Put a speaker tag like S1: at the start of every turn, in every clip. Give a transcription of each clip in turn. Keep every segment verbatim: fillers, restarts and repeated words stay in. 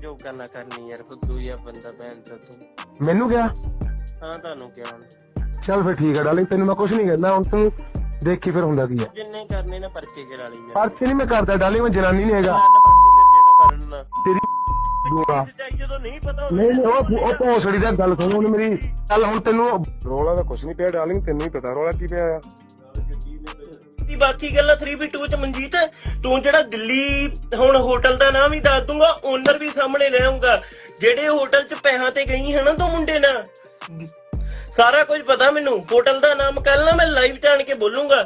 S1: ਝੋਕਾ ਨਾ ਕਰਨੀ ਯਾਰ, ਫੁੱਦੂ ਜਿਹਾ ਬੰਦਾ ਭੈਣ ਚੋ ਤੂੰ।
S2: ਮੈਨੂੰ ਕਿਹਾ?
S1: ਹਾਂ ਤੁਹਾਨੂੰ ਕਿਹਾ।
S2: ਚੱਲ ਫਿਰ ਠੀਕ ਹੈ ਡਾਰਲਿੰਗ, ਤੈਨੂੰ ਮੈਂ ਕੁਝ ਨਹੀਂ ਕਹਿੰਦਾ, ਹੁਣ ਤੂੰ ਦੇਖੀ ਫਿਰ ਹੁੰਦਾ ਕੀ ਹੈ।
S1: ਜਿੰਨੇ ਕਰਨੇ ਨਾ ਪਰਚੇ ਕਰਾ ਲਈ ਯਾਰ।
S2: ਪਰਚੇ ਨਹੀਂ ਮੈਂ ਕਰਦਾ ਡਾਰਲਿੰਗ, ਮੈਂ ਜਨਾਨੀ ਨਹੀਂ ਹੈਗਾ
S1: ਜਿਹੜਾ
S2: ਤੇਰੀ ਬੂਆ।
S1: ਜਦੋਂ ਨਹੀਂ ਪਤਾ
S2: ਨਹੀਂ ਨਹੀਂ ਉਹ ਉਹ ਭੋਸੜੀ ਦਾ ਗੱਲ ਸੁਣ ਹੁਣ ਮੇਰੀ। ਚੱਲ ਹੁਣ ਤੈਨੂੰ ਰੋਲਾ ਦਾ ਕੁਝ ਨਹੀਂ ਪਿਆ ਡਾਰਲਿੰਗ, ਤੈਨੂੰ ਹੀ ਪਤਾ ਰੋਲਾ ਕੀ ਪਿਆ ਆ।
S1: ਬਾਕੀ ਗੱਲਾਂ ਥ੍ਰੀ ਬੀ ਟੂ ਚ ਮਨਜੀਤ, ਤੂੰ ਜਿਹੜਾ ਦਿੱਲੀ ਹੁਣ ਹੋਟਲ ਦਾ ਨਾਮ ਵੀ ਦੱਸ ਦੂੰਗਾ, ਓਨਰ ਵੀ ਸਾਹਮਣੇ ਲੈ ਆਉਂਗਾ। ਜਿਹੜੇ ਹੋਟਲ ਚ ਪੈਸਾ ਤੇ ਗਈ ਹੈ ਨਾ ਤੂੰ ਮੁੰਡੇ ਨਾਲ, ਸਾਰਾ ਕੁਝ ਪਤਾ ਮੈਨੂੰ। ਹੋਟਲ ਦਾ ਨਾਮ ਕੱਲ ਨਾ ਮੈਂ ਲਾਈਵ ਜਾਣ ਕੇ ਬੋਲੂੰਗਾ।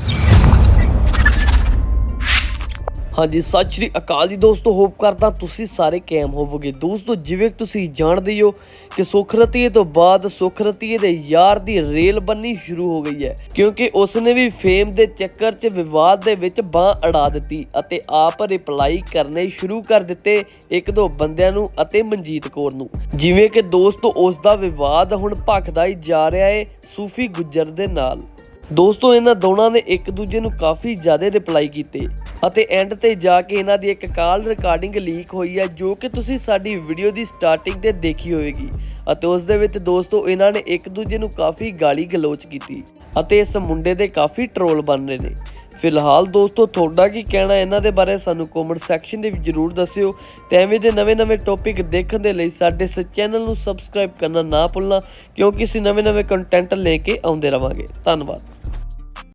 S1: ਹਾਂਜੀ ਸਤਿ ਸ਼੍ਰੀ ਅਕਾਲ ਜੀ ਦੋਸਤੋ, ਹੋਪ ਕਰਦਾ ਤੁਸੀਂ ਸਾਰੇ ਕਾਇਮ ਹੋਵੋਗੇ। ਦੋਸਤੋ ਜਿਵੇਂ ਤੁਸੀਂ ਜਾਣਦੇ ਹੋ ਕਿ ਸੁੱਖ ਰਤੀਏ ਤੋਂ ਬਾਅਦ ਸੁੱਖ ਰਤੀਏ ਦੇ ਯਾਰ ਦੀ ਰੇਲ ਬੰਨੀ ਸ਼ੁਰੂ ਹੋ ਗਈ ਹੈ, ਕਿਉਂਕਿ ਉਸਨੇ ਵੀ ਫੇਮ ਦੇ ਚੱਕਰ 'ਚ ਵਿਵਾਦ ਦੇ ਵਿੱਚ ਬਾਂਹ ਅੜਾ ਦਿੱਤੀ ਅਤੇ ਆਪ ਰਿਪਲਾਈ ਕਰਨੇ ਸ਼ੁਰੂ ਕਰ ਦਿੱਤੇ ਇੱਕ ਦੋ ਬੰਦਿਆਂ ਨੂੰ ਅਤੇ ਮਨਜੀਤ ਕੌਰ ਨੂੰ। ਜਿਵੇਂ ਕਿ ਦੋਸਤੋ ਉਸ ਦਾ ਵਿਵਾਦ ਹੁਣ ਭਖਦਾ ਹੀ ਜਾ ਰਿਹਾ ਹੈ ਸੂਫੀ ਗੁੱਜਰ ਦੇ ਨਾਲ। ਦੋਸਤੋ ਇਹਨਾਂ ਦੋਨਾਂ ਨੇ ਇੱਕ ਦੂਜੇ ਨੂੰ ਕਾਫੀ ਜ਼ਿਆਦਾ ਰਿਪਲਾਈ ਕੀਤੇ ਅਤੇ ਐਂਡ ਤੇ ਜਾ ਕੇ ਇਹਨਾਂ ਦੀ ਇੱਕ ਕਾਲ ਰਿਕਾਰਡਿੰਗ ਲੀਕ ਹੋਈ ਹੈ, ਜੋ ਕਿ ਤੁਸੀਂ ਸਾਡੀ ਵੀਡੀਓ ਦੀ ਸਟਾਰਟਿੰਗ ਤੇ ਦੇਖੀ ਹੋਵੇਗੀ। ਅਤੇ ਉਸ ਦੇ ਵਿੱਚ ਦੋਸਤੋ ਇਹਨਾਂ ਨੇ ਇੱਕ ਦੂਜੇ ਨੂੰ ਕਾਫੀ ਗਾਲੀ ਗਲੋਚ ਕੀਤੀ ਅਤੇ ਇਸ ਮੁੰਡੇ ਦੇ ਕਾਫੀ ਟ੍ਰੋਲ ਬਣ ਰਹੇ ਨੇ। ਫਿਲਹਾਲ ਦੋਸਤੋ ਤੁਹਾਡਾ ਕੀ ਕਹਿਣਾ ਇਹਨਾਂ ਦੇ ਬਾਰੇ ਸਾਨੂੰ ਕਮੈਂਟ ਸੈਕਸ਼ਨ ਦੇ ਵਿੱਚ ਜ਼ਰੂਰ ਦੱਸਿਓ ਤੇ ਐਵੇਂ ਦੇ ਨਵੇਂ-ਨਵੇਂ ਟੌਪਿਕ ਦੇਖਣ ਦੇ ਲਈ ਸਾਡੇ ਇਸ ਚੈਨਲ ਨੂੰ ਸਬਸਕ੍ਰਾਈਬ ਕਰਨਾ ਨਾ ਭੁੱਲਣਾ, ਕਿਉਂਕਿ ਅਸੀਂ ਨਵੇਂ-ਨਵੇਂ ਕੰਟੈਂਟ ਲੈ ਕੇ ਆਉਂਦੇ ਰਵਾਂਗੇ। ਧੰਨਵਾਦ।